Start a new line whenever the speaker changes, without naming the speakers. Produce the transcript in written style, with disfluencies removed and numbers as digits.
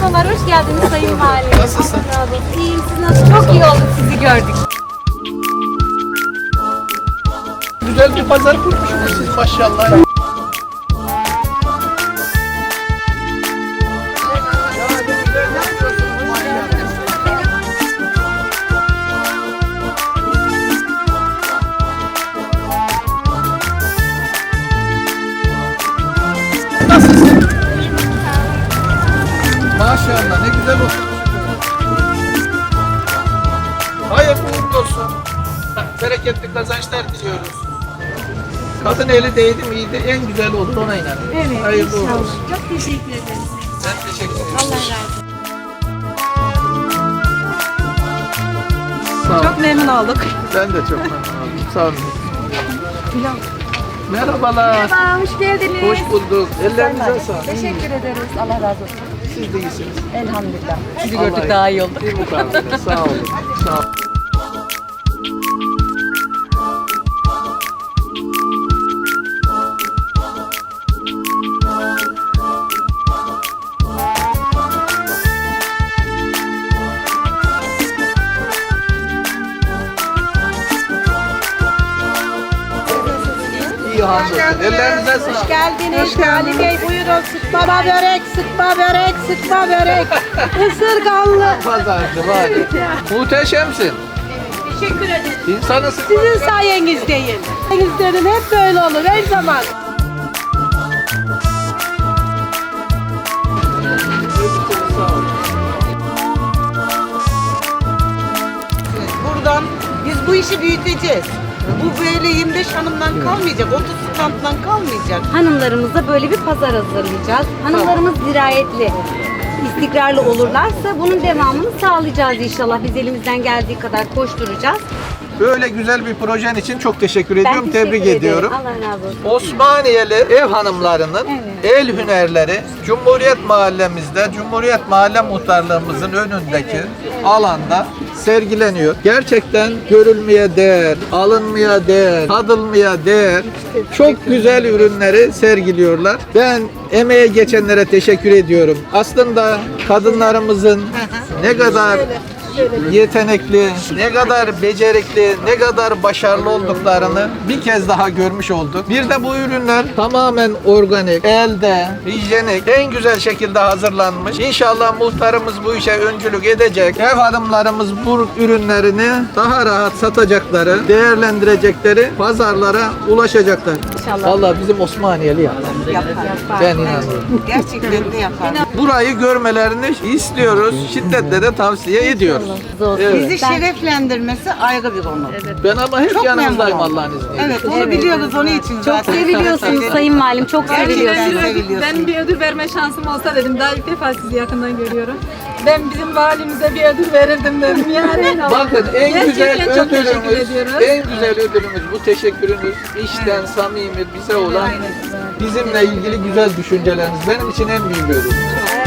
Merhabalar, hoş geldiniz Sayın Valim.
Nasılsın?
Allah razı olsun. İyiyim, siz nasıl? Çok iyi olduk sizi gördük.
Güzel bir pazar kurmuşsunuz siz maşallah. Nasılsın? Maşallah ne güzel olmuş. Hayırlı uğurlu olsun. Bereketli kazançlar diliyoruz. Kadın eli değdi miydi en güzel olur ona inanıyorum.
Evet,
Hayırlı uğurlu
inşallah.
olsun.
Çok teşekkür ederiz.
Ben teşekkür ederim.
Allah razı olsun.
Sağ ol.
Çok memnun olduk.
Ben de çok memnun oldum. Sağ olun. Merhabalar.
Merhaba, hoş geldiniz.
Hoş bulduk. Ellerinize sağlık.
Teşekkür ederiz. Allah razı olsun.
Siz de iyisiniz.
Elhamdülillah.
Sizi
Allah
gördük daha iyi olduk.
Bir mukabele. Sağ olun. Sağ olun. İyi hamdolsun. Ellerinize sağlık.
Hoş geldiniz. Ali Bey buyurun. Sıkma börek, sıkma börek, sıkma börek. Isırganlı.
Pazarcı var. Muhteşemsin.
Teşekkür ederim.
İnsanı
Sizin sayenizdeyin. Sayenizdeyin hep böyle olur her zaman.
Buradan biz bu işi büyüteceğiz. Bu böyle 25 hanımdan kalmayacak, 30 standdan kalmayacak.
Hanımlarımıza böyle bir pazar hazırlayacağız. Hanımlarımız dirayetli, istikrarlı olurlarsa bunun devamını sağlayacağız inşallah. Biz elimizden geldiği kadar koşturacağız.
Böyle güzel bir projen için çok teşekkür ediyorum.
Ben teşekkür
Tebrik
ederim.
ediyorum.
Allah razı olsun.
Osmaniyeli ev hanımlarının el hünerleri Cumhuriyet Mahallemizde, Cumhuriyet Mahalle Muhtarlığımızın önündeki alanda sergileniyor. Gerçekten görülmeye değer, alınmaya değer, tadılmaya değer çok güzel ürünleri sergiliyorlar. Ben emeğe geçenlere teşekkür ediyorum. Aslında kadınlarımızın ne kadar yetenekli, ne kadar becerikli, ne kadar başarılı olduklarını bir kez daha görmüş olduk. Bir de bu ürünler tamamen organik, elde, hijyenik, en güzel şekilde hazırlanmış. İnşallah muhtarımız bu işe öncülük edecek. Ev hanımlarımız bu ürünlerini daha rahat satacakları, değerlendirecekleri, pazarlara ulaşacaklar.
İnşallah.
Vallahi bizim Osmaniyeli yapar. Ben inanıyorum.
Gerçekten de yapar.
Burayı görmelerini istiyoruz. Şiddetle de tavsiye ediyoruz. Evet.
Bizi şereflendirmesi ayrı bir konu.
Ben ama hep
Çok
yanınızdayım
memnun
Allah'ın izniyle.
Evet, onu biliyoruz onun için
Çok
zaten.
seviliyorsunuz Sayın Valim, çok seviliyorsunuz.
Seviliyorsunuz.
Ben bir ödül verme şansım olsa dedim. Daha ilk defa sizi yakından görüyorum. Ben bizim valimize bir ödül verirdim dedim. Yani
Bakın en güzel
Gerçekten çok teşekkür
ödülümüz,
ediyoruz.
en güzel ödülümüz bu teşekkürünüz. İçten samimi bize olan bizimle ilgili güzel düşünceleriniz benim için en büyük ödül.